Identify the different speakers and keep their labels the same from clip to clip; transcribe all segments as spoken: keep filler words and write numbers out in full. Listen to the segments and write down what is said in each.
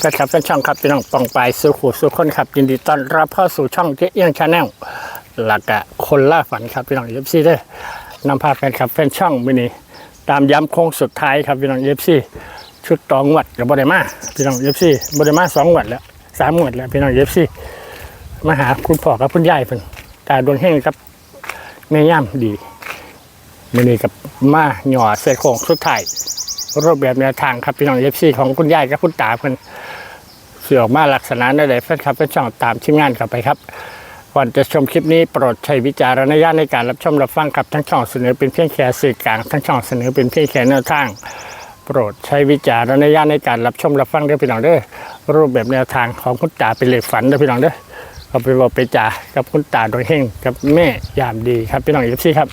Speaker 1: ก็ครับเป็นช่องครับพี่น้องปองปลายสู่ขู่สู่คนครับยินดีต้อนรับเข้าสู่ช่องเจ๊เอี้ยงชาแนลหลักกะคนล่าฝันครับพี่น้องเอฟซีเด้อนำพาแฟนครับแฟนช่องมินิตามย้ำโค้งสุดท้ายครับพี่น้องเอฟซีชุดตองวัดกับบริมาพี่น้องเอฟซีบริมาสองวัดแล้วสามวัดแล้วพี่น้องเอฟซีมาหาคุณพ่อกับคุณยายเพิ่นตาดวงเฮงครับแม่ย่ำดีมินิกับมาหย่อเศษโค้งสุดท้ายรูปแบบแนวทางครับพี่น้องเอฟซีของคุณยายกับคุณตาเพิ่นเสือออกมาลักษณะใดๆแฟนคลับเป็นช่องตามทีมงานเข้าไปครับก่อนจะชมคลิปนี้โปรดใช้วิจารณญาณในการรับชมรับฟังครับทั้งช่องเสนอเป็นเพียงแค่สื่อกลางทั้งช่องเสนอเป็นเพียงแค่แนวทางโปรดใช้วิจารณญาณในการรับชมรับฟังด้วยพี่น้องเด้อรูปแบบแนวทางของคุณตาเป็นเลขฝันด้วยพี่น้องเด้อเอาไปบอกไปจ่ากับคุณตาโดยเฮงกับแม่ยามดีครับพี่น้องเอฟซีครับ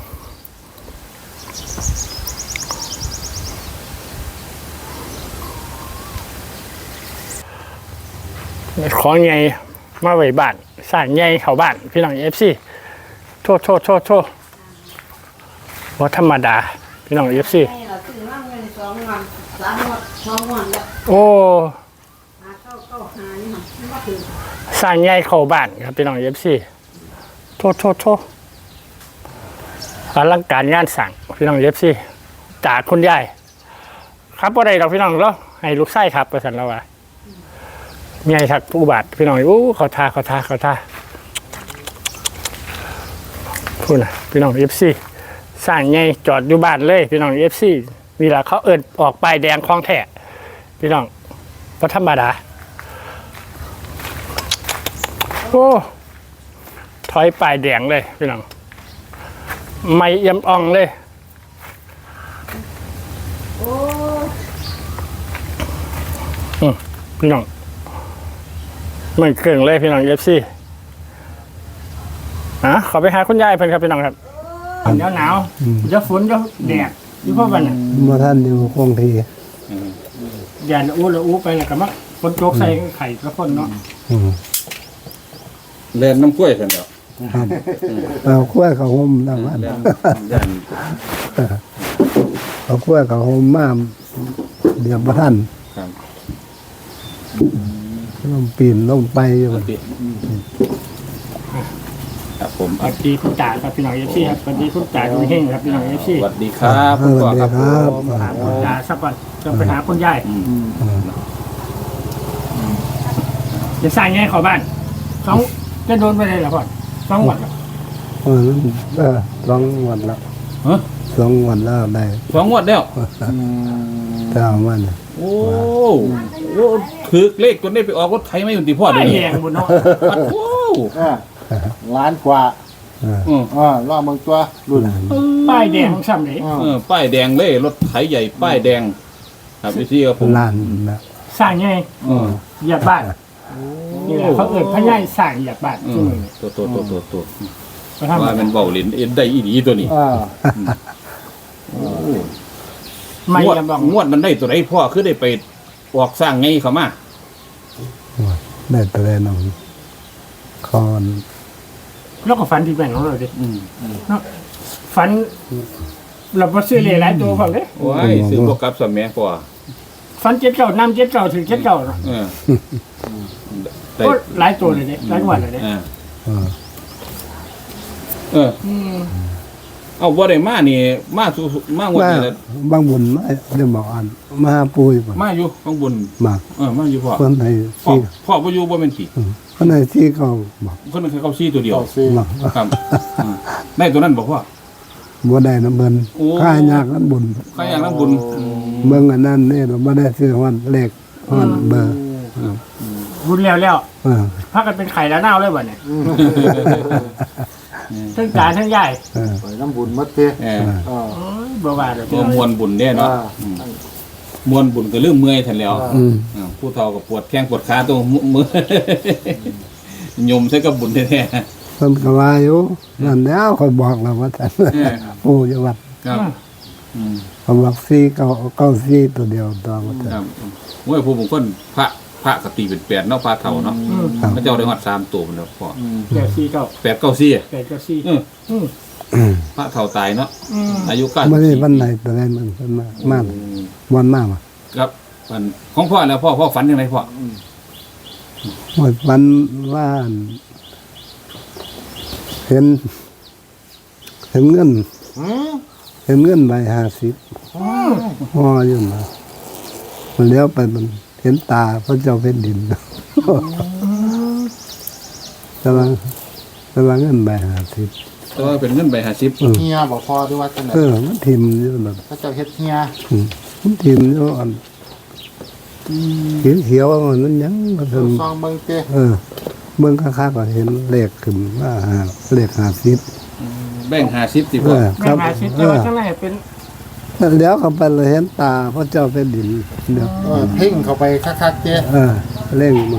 Speaker 1: ของไงมาไว้บ้านสร้างไงเข้าบ้านพี่น้องเอฟซีโทษโทษโทษโทษว่าธรรมดาพี่น้องเอฟซีโอ้สร้างไงเข้าบ้านครับพี่น้องเอฟซีโทษโทษโทษอลังการงานสั่งพี่น้องเอฟซีจากคุณยายครับว่าใดเราพี่น้องเราให้ลูกไส้ครับประสันเราว่ามีไอ้ทักผู้บาดพี่น้องอู้เขาทาเขาทาเขาทาพูดนะพี่น้องเอฟซีสร้างไงจอดอยู่บ้านเลยพี่น้องเอฟซีเวลาเขาเอิญออกไปแดงคลองแท้พี่น้องก็ธรรมดาโอ้ถอยปลายแดงเลยพี่น้องไม่เอี่ยมอ่องเลยอืมพี่น้องมันเครื่องเลยพี่น้องเอฟซีอ่ะขอไปหาคุณยายเพิ่นครับพี่น้องครับเดี๋ยวหนาวเดี๋ยวฝนเดี๋ยวแดดอยู่เพราะวันน่ะ
Speaker 2: มาท่านอยู่คงที
Speaker 1: แดดอู้ละอู้ไปแล้วก็มาฝนโจกใส่ไข่กระพ่นเนาะ
Speaker 3: เล่นน้ำกล้วยกันเดี๋ยว
Speaker 2: เอาขั้วเขาห่มน้ำมันเอาขั้วเขาห่มมาเดี๋ยวมาท่านลงปีนลงไปอยู่
Speaker 3: ครับผม
Speaker 1: สวัสดีคุณตาครับพี่น้องเอฟซีครับสวัสดีคุณตาดูเฮงครับพี่น้องเอฟซี
Speaker 3: สวัสดีครับ
Speaker 2: สวัสดีครับ
Speaker 1: หาคุณตาสักวันจะไปหาคุณยายจะสร้างไงขอบ้านสองจะโดนไปเลยเหรอพ่อสองวัน
Speaker 2: เออสองวันแล้วสองวันแล้วได้
Speaker 3: สองวันแล้ว
Speaker 2: แต่วัน
Speaker 3: โอ้โหถือเลขจนได้ไปออกรถไถไม่อยู่ที่พ่อเดี๋ยวนี้
Speaker 1: แดงบุญเนาะ
Speaker 3: โอ้
Speaker 4: ล้านกว่าอืมอ่ารอบเมืองตัวรุ่น
Speaker 1: ป้ายแดงซ้ำเลย
Speaker 3: เออป้ายแดงเลยรถไถใหญ่ป้ายแดงครับพี่ซี่ครับผม
Speaker 2: ล้านนะ
Speaker 1: สร้างไงเหยียบบ้านนี่แหละเขาเอิดพญายสร้างเหยียบบ้าน
Speaker 3: ตัวตัวตัวตัวตัวว่ามันเบาลิ้นเอ็นได้อีดีตัวนี้
Speaker 1: ไม่
Speaker 3: งวดงวดมันได้ตัวไหนพ่อคือได้ไปออกสร้างไงเขามา
Speaker 2: ได้ตัวแรกน้องคอน
Speaker 1: แล้วก็ฝันที่แบ่งของเราดิเนาะฝันเราพอซื้อเลยหลายตัวฝังเลย
Speaker 3: โอ้ยซื้อพวกกับสมัยพ่อ
Speaker 1: ฝันเจ็ดเก่าน้ำเจ็ดเก่าถึงเจ็ดเก่าเนาะก็หลายตัวเลยเนี่ยหลายวันเลยเนี่ย
Speaker 3: เออเอาบ่ได้มานี่มาสู่มาวันนี้
Speaker 2: บางบุญมาเดี๋ยวบอกอันมาปุย
Speaker 3: มาอยู่บางบุญ
Speaker 2: มา
Speaker 3: เออมาอยู่พ่อ
Speaker 2: คนไหน
Speaker 3: ที่พ่อบ่อยู่บ่เป็นขี้
Speaker 2: คนไหนที่เขาบอก
Speaker 3: คนนั้นเขาซี่ตัวเดียวครับได้ตัวนั้นบอกว่า
Speaker 2: บ่ได้น้ำเบิ่นค่ายากนั้นบุญ
Speaker 3: ค่ายากนั้นบุญ
Speaker 2: เบิ่งอันนั้นนี่เราบ่ได้ซื้อฮอดเลขฮอดเบอร์
Speaker 1: บุญแล้วแล้วพากันเป็นไข่แล้วเน่าเลยบ่เนี่ยทั้งจานทั้งใหญ่
Speaker 4: ไปน้ำบุญมัดเตี้ย
Speaker 1: บ่ว่าเลย
Speaker 3: ตัวมวลบุญเนี่ยเนาะมวลบุญก็เรื่องเมื่อยแทนแล้วผู้เฒ่ากับปวดแข้งปวดขาตัวมือยมใส่กับบุญแท้
Speaker 2: ๆเพิ่นก็ว่าอยู่นั่นแล้วเขาบอกแล้วว่าท่านปู่อยู่วัด
Speaker 3: ครับ
Speaker 2: เขาบอกสี่เก้าเก้าสี่ตัวเดียวตัวว่าท่าน
Speaker 3: ครับโอ้ยผู้บางคนพระพระกติเป็นแปดเนาะพระเฒ่าเนาะพระเจ้าได้ฮอดสามตัวมันแล้วพ่อ
Speaker 1: แปดสี่เก้า
Speaker 3: แปดเก้าสี่
Speaker 1: แปดเก้าสี่
Speaker 3: พระเฒ่าตายเนาะอายุ
Speaker 2: เก้าสิบสี่ไม่ได้วันไหนตัวนั้นมันมามาวันมา
Speaker 3: ครับฝันของพ่อแล้วพ่อพ่อฝันยังไงพ่อ
Speaker 2: หมดวันว่าเห็น เห็นเงิน
Speaker 4: อืม
Speaker 2: เห็นเงินใบห้าสิบห่ออยู่นะมันเลี้ยวไปมันเห็นตาพระเจ้าแผ่นดินกำลังกำลังเงินใบห้าสิบ
Speaker 3: แต่ว่าเป็นเงินใบห้าสิบ
Speaker 4: เฮียบอกพอด้วยว่าจังไหน
Speaker 2: เออมันทิมอยู่แบบ
Speaker 4: พระเจ้าเฮ็ดเฮีย
Speaker 2: อืมมันทิมอยู่อันเขียวเขียวๆมันยังมาถึง
Speaker 4: ซองเบิ่งเต้
Speaker 2: เออเมืองข้างๆก็เห็นเลขขึ้นว่าหาเลขห้าสิบ
Speaker 3: แบ่งห้าสิบสิ
Speaker 2: เอ
Speaker 3: พ่อ
Speaker 2: อค
Speaker 1: แม่
Speaker 2: รับ
Speaker 1: มาชิด
Speaker 2: เอ
Speaker 1: แต่ว่า
Speaker 2: อ
Speaker 1: ข้างในเป็น
Speaker 2: เลี้ยวเข้าไปเลยเห็นตาพระเจ้าแผ่นดินเดี๋ยว
Speaker 4: เออเพ่งเข้าไปคักๆเต้
Speaker 2: เออเร่งมัน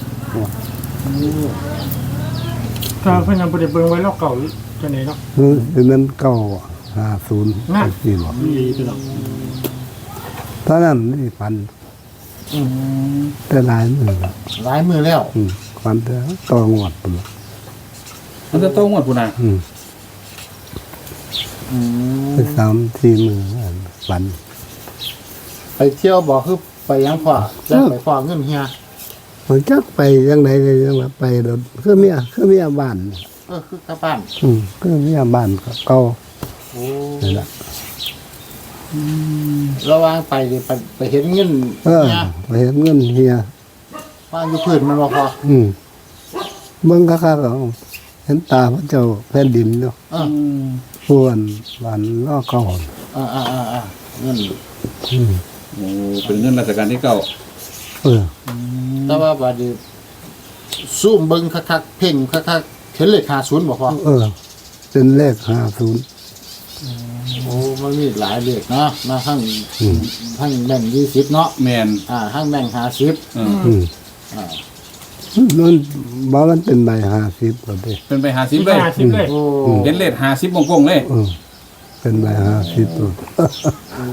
Speaker 1: ก็เพิ่นยังบ่ได้เบิ่งไว้แล้วเก่าจังได๋เนาะ
Speaker 2: คือนั้นเก้าห้าศูนย์
Speaker 1: นั่น
Speaker 2: สี่หรอก
Speaker 1: ดีพี่น้อง
Speaker 2: ตอนนั้นนี่ฟัน
Speaker 4: อืม
Speaker 2: แต่หลายมือแล้ว
Speaker 4: หลายมือแล้ว
Speaker 2: อืมฟันแต่ตองหวดปุ่นละ
Speaker 3: มันจะโตงวดพุ่นน่ะ
Speaker 2: อืม
Speaker 4: อืม
Speaker 2: ไปสามสี่มืออันฟัน
Speaker 4: ไปเที่ยวบ่คือไปยังพ่อจะไปฟ้องเงินเฮีย
Speaker 2: มันจักไปยังไงก็ยังว่าไปโดนคือเมียคือเมียบ้าน
Speaker 4: เออคือกลับบ้าน
Speaker 2: อืมคือเมียบ้านเก่า
Speaker 4: โอ้
Speaker 2: นี่แหละ
Speaker 4: ระหว่างไปนี่ไปไปเห็นเงิน
Speaker 2: เออ
Speaker 4: เฮีย
Speaker 2: ไปเห็นเงินเฮีย
Speaker 4: ว่างอยู่พื้นมันบ่พอ
Speaker 2: อืมเบิ่งคักๆก็เห็นตาพระเจ้าแผ่นดินเนาะ
Speaker 4: เออ
Speaker 2: ผู้อันบ้านล้อเก่า
Speaker 4: อ่าอ่าอ่าอ่าเงิน
Speaker 2: อืม
Speaker 3: โอ้เป็นเงินราชการที่เก้า
Speaker 2: เออ
Speaker 4: แต่ว่าบัดนี้ซูมเบิ่งคักๆเพ่งคักๆเห็นเลขห้าสิบบ่พอ
Speaker 2: เออ เป็นเลขห้าศูนย์
Speaker 4: โอ้มันมีหลายเลขนะมาทั้ง
Speaker 2: อืม
Speaker 4: ทั้งแบ่งยี่สิบเนาะ
Speaker 3: แมน
Speaker 4: อ่าทั้งแบ่งห้าสิบ
Speaker 3: เออ
Speaker 2: อืม
Speaker 4: อ่า
Speaker 2: มันบอกมันเป็นใบห้าสิบก็ได้
Speaker 3: เป็นไปห้าสิบเลย
Speaker 1: ห้าสิบเลย
Speaker 4: โอ้
Speaker 3: เห็นเลขห้าสิบวงกลมเลย
Speaker 2: เออเป็นใบห้าสิบตัว
Speaker 4: โอ้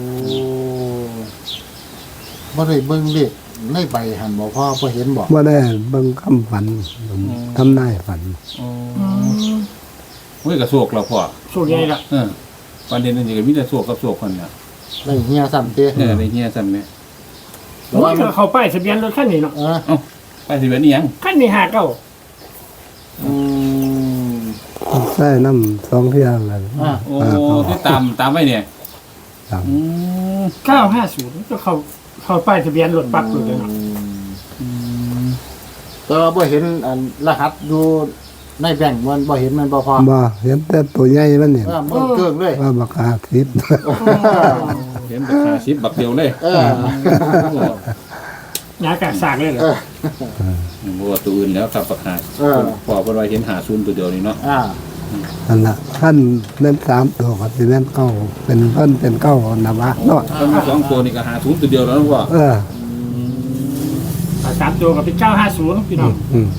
Speaker 4: บ่ได้เบิ่งเลขในใบหันบ่พอบ่เห็นบ่
Speaker 2: ว่าได้เบิ่งคำฝันทำนายฝัน
Speaker 3: เฮ้ยกระโศกเราพ่อ
Speaker 1: สู้ใหญ่ละ
Speaker 3: เออประเด็นนั่นนี่ก็มีแต่โศกกับโศกคนเนี่ย
Speaker 4: ได้เฮียซ้ำเต้
Speaker 3: เออในเฮียซ้ำเนี่ย
Speaker 1: โอ้ยก็เข้าป้ายทะเบียนรถคันนี้เนาะ
Speaker 4: เออ
Speaker 3: เอ้าไปสิเป็นอีหยัง
Speaker 1: คันนี้ห้าเก้า
Speaker 4: อืม
Speaker 2: ใส่น้ำสองเที่ยงอะไร
Speaker 4: อ่า
Speaker 3: โอ้ที่ตามตามไว้เนี่ย
Speaker 2: ตาม
Speaker 3: อืม
Speaker 1: เก้าห้าศูนย์ก็เข้าเข้าป้ายทะเบียนรถปักรถเลยเนาะ
Speaker 4: แต่ว่าบ่เห็นอันรหัสอยู่ในแบ่งค์มันบ่เห็นมันบ่พอ
Speaker 2: บ่เห็นแต่ตัวใหญ่มันเนี่ย
Speaker 4: เออมันเกิงเลย
Speaker 2: ว่าบักอาทิตย์
Speaker 3: เห็นเป็นห้าสิบบักเดียวเลย
Speaker 4: เออ
Speaker 1: ยากาสากเลยเหรอ
Speaker 3: บัวตัวอื่นแล้วครับประกาศ
Speaker 4: เออ
Speaker 3: พอเป็นว่าเห็นหาศูนย์ตัวเดียวนี่เนาะ
Speaker 4: อ่า
Speaker 2: นั่นละขั้นเล่นสามตัวก็สิเล่นเก้าเป็นเพิ่นเป็นเก้านะวะเนาะ
Speaker 3: ถ้ามีสองตัวนี่ก็หาศูนย์ตัวเดียวแล้วนะพ่อ
Speaker 2: เออ
Speaker 1: สามตัวกับเป็นเก้าห้าศูนย์พี่น้อง
Speaker 2: อืม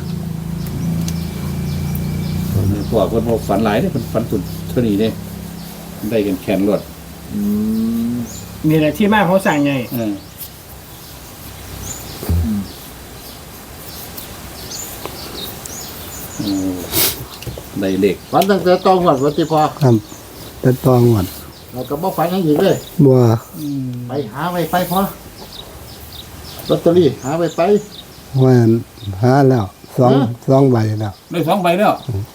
Speaker 3: พ่อเพิ่นบอกฝันหลายเนี่ยเพิ่นฝันตุนเท่านี้เนี่ยได้กันแขนรวด
Speaker 4: อืม
Speaker 1: นี่แหละที่มาเขาสั่งไง
Speaker 3: เออโอ้ได้เลข
Speaker 4: วันตั้งแต่ตองวัดวัดที่พอ
Speaker 2: ครับแต่ตองหวัด
Speaker 4: เราก็บ่ฝันหยังอีกเลย
Speaker 2: บัว
Speaker 4: ไปหาไว้ไปพอลอตเตอรี่หาไว้ไป
Speaker 2: ว่าหาแล้วสองสองใบแล้ว
Speaker 3: ได้สองใบแล้ว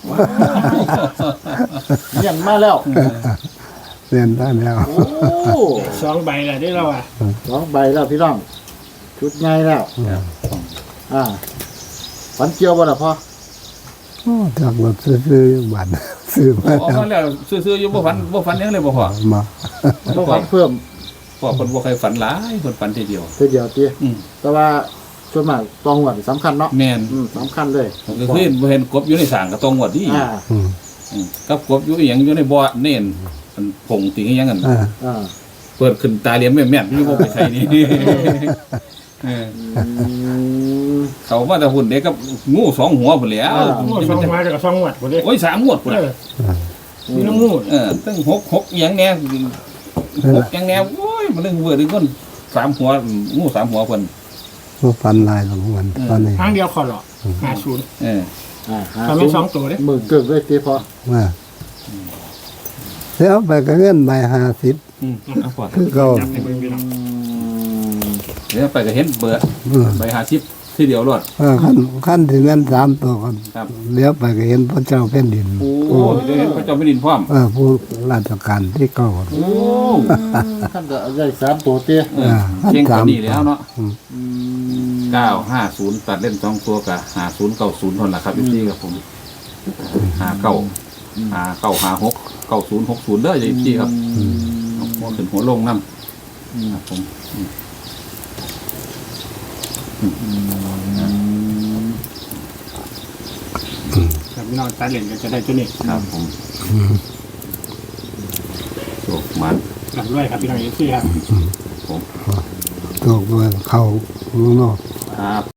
Speaker 4: เลี้ยงมาแล้ว
Speaker 2: เรียนได้แล้ว
Speaker 4: โอ้
Speaker 1: สองใบแหละได้เราอ่ะ
Speaker 4: สองใบแล้วพี่น้อง ชุดใหญ่แล้ว อ่าฝันเกี่ยวบ่ล่ะพ่อ
Speaker 2: โอ้จากรถซื้อๆบัตร ซื้อมา
Speaker 3: ออก
Speaker 2: แล้ว
Speaker 3: มาแล้วซื่อๆอยู่บ่ฝันบ่ฝันหยังเลยบ่พ่อ
Speaker 2: มา
Speaker 4: บ่ฝันเพิ่ม
Speaker 3: พ่อเพิ่นบ่เคยฝันหลายเพิ่นฝันทีเดียว
Speaker 4: ทีเดียวติ
Speaker 3: อืม
Speaker 4: แต่ว่าส่วนมากตองวัดสำคัญเนาะ
Speaker 3: แม่น
Speaker 4: อืมสำคัญเลย
Speaker 3: ก็คือบ่เห็นกบอยู่ในสางก็ต้องงวดดี
Speaker 4: อ่า
Speaker 2: อืม
Speaker 3: อืมกับกบอยู่อีหยังอยู่ในบ่อเน่นมันผงติงอีหยังกัน
Speaker 2: อ่า
Speaker 4: อ่า
Speaker 3: เปิดขึ้นตาเหลี่ยมแม่นๆอยู่บ่ไปใส่นี่เออ
Speaker 4: อืม
Speaker 3: เขามาแต่หุ่นเด็กกับงูสองหัวพุ่นแหล้ว
Speaker 4: อ่า
Speaker 1: งวดสองมาจากสองงวดหมดเลย
Speaker 3: โอ้ยสามงวดพุ่น
Speaker 1: เอ
Speaker 3: น่ะ
Speaker 1: อมีน้ำงู
Speaker 3: เออตั้งหกหกอีหยังแหน่หกอีหยังแหน่โอ้ยมันนึงเวอร์ดึงคนสามหัวงูสามหัวเพิ่น
Speaker 2: ผู้ฟันลายของมันตอนนี้
Speaker 1: ครั้งเดียวขอหรอห้าศูนย์
Speaker 3: เออ
Speaker 4: อ่าหา
Speaker 1: ทำให้สองตัวเลย
Speaker 4: มือเกิงเลยติพอ
Speaker 2: ว่าแล้วไปก็เงินใบห้าสิบ
Speaker 3: อืมเอาก่อน
Speaker 2: คือเก่า
Speaker 1: จับในมือพี่น้อง
Speaker 4: อืม
Speaker 3: เดี๋ยวไปก็เห็นเบอร์
Speaker 2: เออ
Speaker 3: ใบหาชิปที่เดียวรอด
Speaker 2: เออขั้นขั้นที่แม่นสามตัวกัน
Speaker 3: ครับ
Speaker 2: เลี้ยวไปก็เห็นพระเจ้าแผ่นดิน
Speaker 3: โอ้เดี๋ยวเห็นพระเจ้าแผ่นดินพร้อม
Speaker 2: เออผู้ราชการที่เก้า
Speaker 3: โอ้
Speaker 4: ท่านก็ได้สามตัวเตี้ย
Speaker 3: เออเชียงกว่านี้แล้วเนาะ
Speaker 4: อืม
Speaker 3: เก้าห้าศูนย์ตัดเล่นสองตัวกับหาศูนย์เก้าศูนย์ทนละครับพี่ครับผมหาเก้าหาเก้าหาหกเก้าศูนย์หกศูนย์เด้อพี่ครับหัวขึ้นหัวลงน้ำครับผม
Speaker 1: ครับพี่น้องตาเหรียญก็จะได้ตัวนี้
Speaker 3: ครับผมโชคมัน
Speaker 1: หลังด้วยครับพี่น้องเอฟซีครับ
Speaker 3: ผม
Speaker 2: ตัวเขาลูกนอก
Speaker 3: ครับ